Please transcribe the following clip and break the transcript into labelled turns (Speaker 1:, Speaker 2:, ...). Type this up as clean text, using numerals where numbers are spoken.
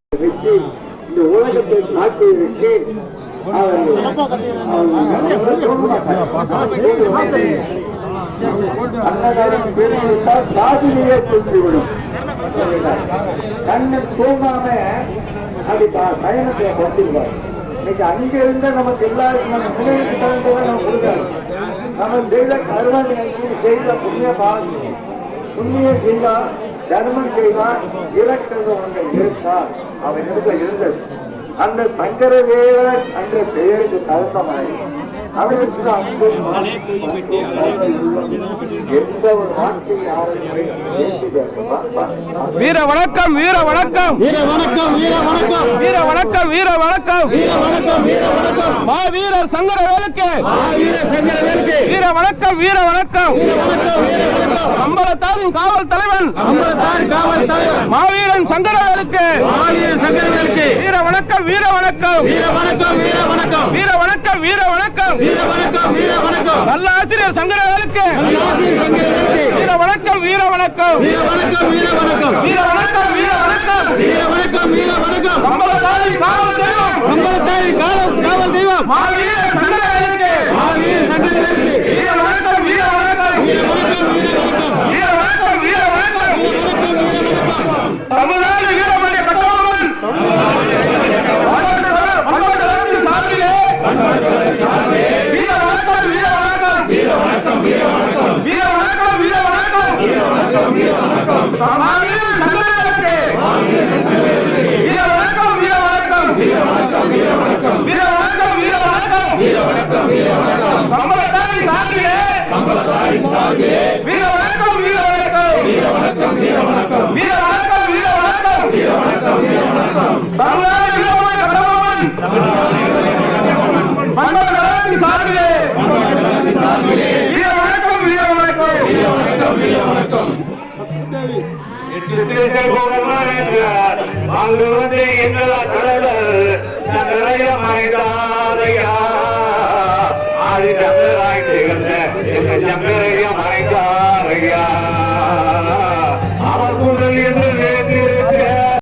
Speaker 1: வச்சு இந்த உலகத்தை காட்டுவதற்கு அன்னதானம் பேசிவிட்டால் சாதியிலே தூக்கிவிடும். கண்ணன் தூங்காம அப்படி பயணத்தை கொடுத்துருவார். இன்னைக்கு அங்க இருந்தா நமக்கு எல்லாருக்கும் நம்ம முன்னேற்ற தகுந்ததை நம்ம கொடுக்காது. நம்ம செய்த கருணை செய்த புண்ணிய பாவம் புண்ணியம் செய்தா தர்மம் செய்தா இலக்கணம் ஒன்றை இருந்தால் அவன் இடத்துல இருந்தது. அந்த சங்கரவேலர் என்ற பெயருக்கு தகுந்தமாய் அவருக்கு எந்த ஒரு வார்த்தையை
Speaker 2: வீர வணக்கம் வீர வணக்கம் வீர வணக்கம் வீர வணக்கம் வீர வணக்கம் வீர வணக்கம் வீர வணக்கம் வீர வணக்கம் மாவீரர் சங்கரவேலுக்கு வீர வணக்கம் வீர வணக்கம் அம்பலத்தாரின் காவல் தலைவன் மாவீரன் சங்கரவேலுக்கு வீர வணக்கம் வீர வணக்கம் வீர வணக்கம் வீர வணக்கம் வீர வணக்கம் வீர வணக்கம் வீர வணக்கம் வீர வணக்கம் நல்ல ஆசிரியர் சங்கரவேலுக்கு வீர வணக்கம் வீர வணக்கம் வீர வணக்கம் வீர வணக்கம் வீர வணக்கம் வீர வணக்கம் வீர வணக்கம் வீர வணக்கம் அம்பலத்தாரி காவல் தெய்வம் மாவீரர் சங்கரவேலுக்கு வீர வணக்கம் வீர வணக்கம் வீர வணக்கம் வீர வணக்கம் வீர வணக்கம் வீர வணக்கம் தமிழ்நாடு வீரமணி கட்டபொம்மன் வீர வணக்கம் வீர வணக்கம் வீர வணக்கம் வீர வணக்கம் வீர வணக்கம் வீர வணக்கம் வீர வணக்கம் வீர வணக்கம் மாவீரர் சங்கரவேலுக்கு வீர வணக்கம் வீர வணக்கம் வீர வணக்கம் வீர வணக்கம் வீர வணக்கம் வீர வணக்கம் வீர வணக்கம் வீர வணக்கம் அம்பலத்தாரி சார்பிலே வீர வணக்கம் வீர வணக்கம் வீர வணக்கம் வீர வணக்கம் வீர வணக்கம் வீர வணக்கம் வீர வணக்கம் வீர வணக்கம் தமிழ்நாடு வீரமணி கட்டபொம்மன் மண்டபத்தின் சார்பிலே வீர வணக்கம் வீர வணக்கம் வீர வணக்கம் வீர வணக்கம் அங்கு வந்து எங்களா கடலர் சங்கரைய மறைந்தாரையா ஆதி சங்கராய் திகழ்ந்த எங்கள் சங்கரைய மறைந்தாரையா